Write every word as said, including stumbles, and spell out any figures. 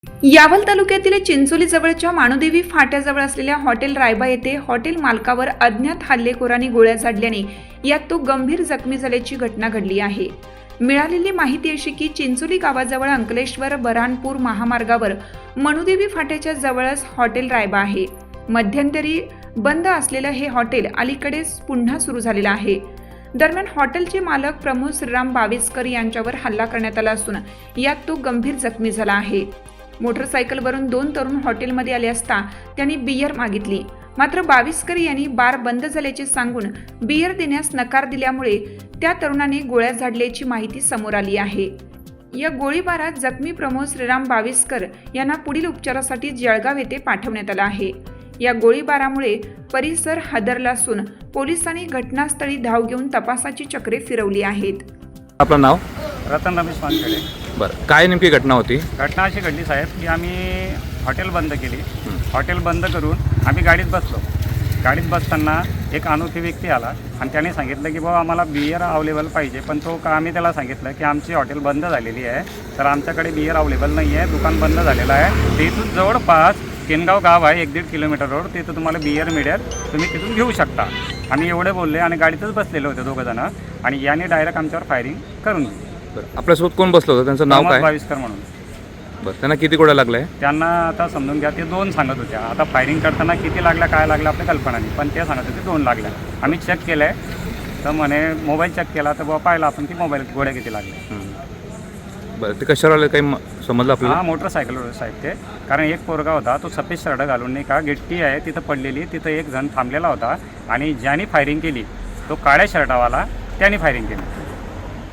यावल तालुक्यातील चिंचोली जवळच्या मानुदेवी फाट्याजवळ असलेल्या हॉटेल रायबा येथे हॉटेल मालकावर अज्ञात हल्लेखोरांनी गोळ्या झाडल्याने यात तो गंभीर जखमी झाल्याची घटना घडली आहे। मिळालेली माहिती अशी की चिंचोली गावाजवळ अंकलेश्वर बऱ्हाणपूर महामार्गावर मनुदेवी फाट्याच्या जवळच हॉटेल रायबा आहे। मध्यंतरी बंद असलेलं हे हॉटेल अलीकडेच पुन्हा सुरू झालेलं आहे। दरम्यान हॉटेलचे मालक प्रमोद श्रीराम बाविस्कर यांच्यावर हल्ला करण्यात आला असून यात तो गंभीर जखमी झाला आहे। मोटरसायकलवरून दोन तरुण हॉटेलमध्ये आले असता त्यांनी बियर मागितली, मात्र बाविस्कर यांनी बार बंद झाल्याचे सांगून बियर देण्यास नकार दिल्यामुळे त्या तरुणाने गोळ्या झाडल्याची माहिती समोर आली आहे। या गोळीबारात जखमी प्रमोद श्रीराम बाविस्कर यांना पुढील उपचारासाठी जळगाव येथे पाठवण्यात आलं आहे। या गोळीबारामुळे परिसर हादरला असून पोलिसांनी घटनास्थळी धाव घेऊन तपासाची चक्रे फिरवली आहेत। आपलं नाव? रतन रमेश वानखेडे। बरं, काय नेमकी घटना होती? घटना अशी घडली साहेब की आम्ही हॉटेल बंद केली। हॉटेल बंद करून आम्ही गाडीत बसलो। गाडीत बसताना एक अनोखी व्यक्ती आला आणि त्याने सांगितलं की बाबा आम्हाला बियर अवेलेबल पाहिजे, पण तो का आम्ही त्याला सांगितलं की आमची हॉटेल बंद झालेली आहे, तर आमच्याकडे बियर अवेलेबल नाही आहे, दुकान बंद झालेलं आहे। ते इथून जवळपास केनगाव गाव आहे, एक दीड किलोमीटर रोड, तिथं तुम्हाला बियर मिळेल, तुम्ही तिथून घेऊ शकता। आम्ही एवढे बोलले आणि गाडीतच बसलेले होते दोघं जण आणि याने डायरेक्ट आमच्यावर फायरिंग करून दिली। बरं, आपल्यासोबत कोण बसलं होतं? त्यांचं नाव काय? बाविस्कर म्हणून। बरं, त्यांना किती गोळ्या लागल्या? त्यांना आता समजून घ्या, ते दोन सांगत होत्या। आता फायरिंग करताना किती लागल्या काय लागलं आपल्या कल्पना नाही, पण ते सांगत होते दोन लागल्या। आम्ही चेक केलं आहे तर म्हणे मोबाईल चेक केला तर बाबा पाहिलं आपण की मोबाईल गोळ्या किती लागल्या। बरं, ते कशावर आले काही समजलं आपल्याला? हां, मोटरसायकलवर साहेब ते, कारण एक पोरगा होता तो सफेद शर्ट घालून नाही का गिट्टी आहे तिथं पडलेली, तिथं एक जण थांबलेला होता आणि ज्याने फायरिंग केली तो काळ्या शर्टावाला, त्याने फायरिंग केली।